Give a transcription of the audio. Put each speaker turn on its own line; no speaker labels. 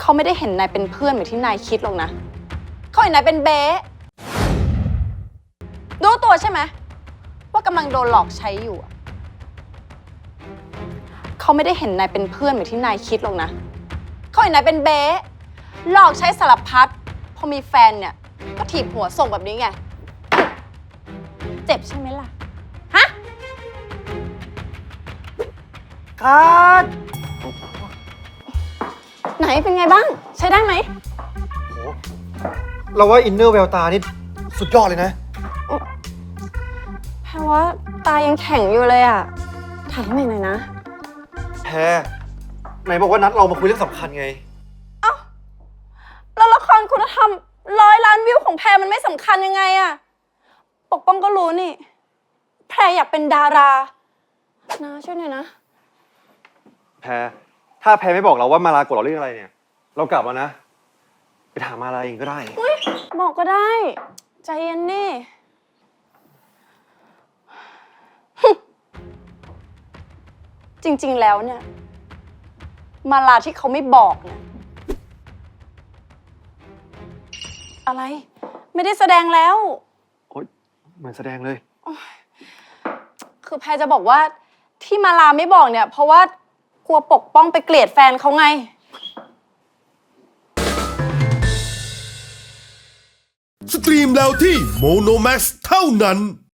เขาไม่ได้เห็นนายเป็นเพื่อนเหมือนที่นายคิดหรอกนะเขาเห็นนายเป็นเบ๊รู้ตัวใช่ไหมว่ากำลังโดนหลอกใช้อยู่อะเขาไม่ได้เห็นนายเป็นเพื่อนเหมือนที่นายคิดหรอกนะเขาเห็นนายเป็นเบ๊หลอกใช้สารพัดพอมีแฟนเนี่ยก็ถีบหัวส่งแบบนี้ไงเจ็บใช่ไหมล่ะฮะ
คัด
ไหนเป็นไงบ้างใช้ได้ไหม
โหเราว่าอินเนอร์แววตานี่สุดยอดเลยนะ
แพรว่าตายังแข็งอยู่เลยอ่ะถ่ายให้ใหม่หน่อยนะ
แพรไหนบอกว่านัดเรามาคุยเรื่องสำคัญไง
แล้วละครคุณธรรม100 ล้านวิวของแพรมันไม่สำคัญยังไงอะปกป้องก็รู้นี่ แพรอยากเป็นดารานะช่วยหน่อยนะ
แพรถ้าแพรไม่บอกเราว่ามาลากดเราเรื่องอะไรเนี่ย เรากลับแล้วนะ ไปถามมาลาเองก็ได้
บอกก็ได้ใจเย็นดิ จริงๆแล้วเนี่ยมาลาที่เขาไม่บอกเนี่ยอะไรไม่ได้แสดงแล้ว
โอ๊ยเหมือนแสดงเลย
คือแพรจะบอกว่าที่มาลาไม่บอกเนี่ยเพราะว่ากลัวปกป้องไปเกลียดแฟนเขาไง
สตรีมแล้วที่โมโนแม x เท่านั้น